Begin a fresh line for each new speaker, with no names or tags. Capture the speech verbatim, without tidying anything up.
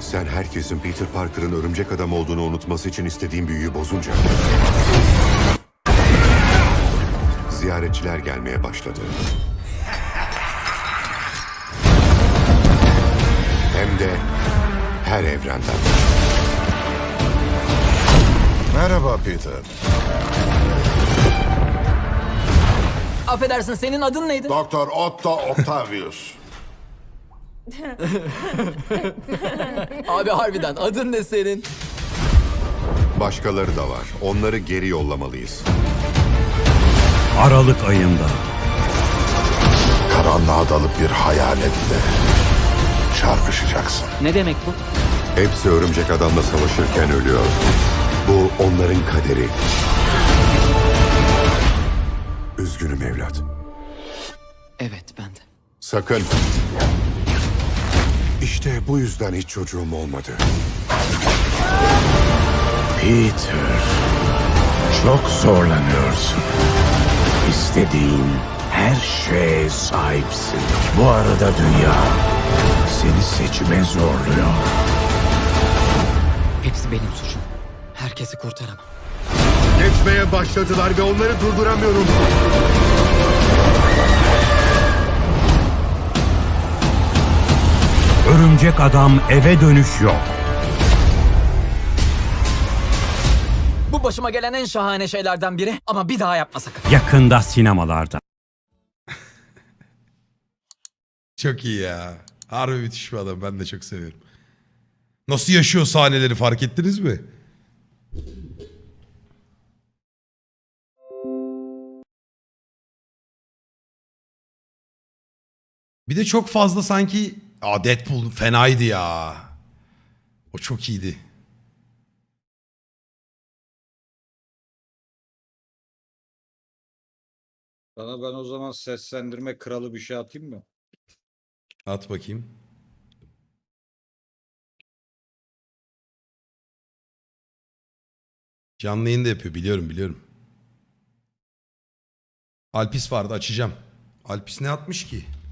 Sen herkesin Peter Parker'ın örümcek adam olduğunu unutması için istediğin büyüyü bozunca... ziyaretçiler gelmeye başladı. Hem de her evrenden.
Merhaba Peter.
Affedersin, senin adın neydi?
Doktor Otto Octavius.
Abi harbiden adın ne senin?
Başkaları da var. Onları geri yollamalıyız.
Aralık ayında
Karanlığa dalıp bir hayaletle çarpışacaksın.
Ne demek bu?
Hepsi örümcek adamla savaşırken ölüyor. Bu onların kaderi. Üzgünüm evlat.
Evet, ben de.
Sakın. İşte bu yüzden hiç çocuğum olmadı.
Peter, çok zorlanıyorsun. İstediğin her şeye sahipsin. Bu arada dünya seni seçime zorluyor.
Hepsi benim suçum. Herkesi kurtaramam.
Geçmeye başladılar ve onları durduramıyorum.
Örümcek Adam eve dönüş yok.
Bu başıma gelen en şahane şeylerden biri ama bir daha yapma sakın.
Yakında sinemalarda.
Çok iyi ya. Harbi müthiş bir adam. Ben de çok seviyorum. Nasıl yaşıyor sahneleri fark ettiniz mi? Bir de çok fazla sanki... Aa, Deadpool fenaydı ya. O çok iyiydi.
Sana ben o zaman seslendirme kralı bir şey atayım mı?
At bakayım. Canlı yayın da yapıyor. Biliyorum biliyorum. Alpis vardı, açacağım. Alpis ne atmış ki?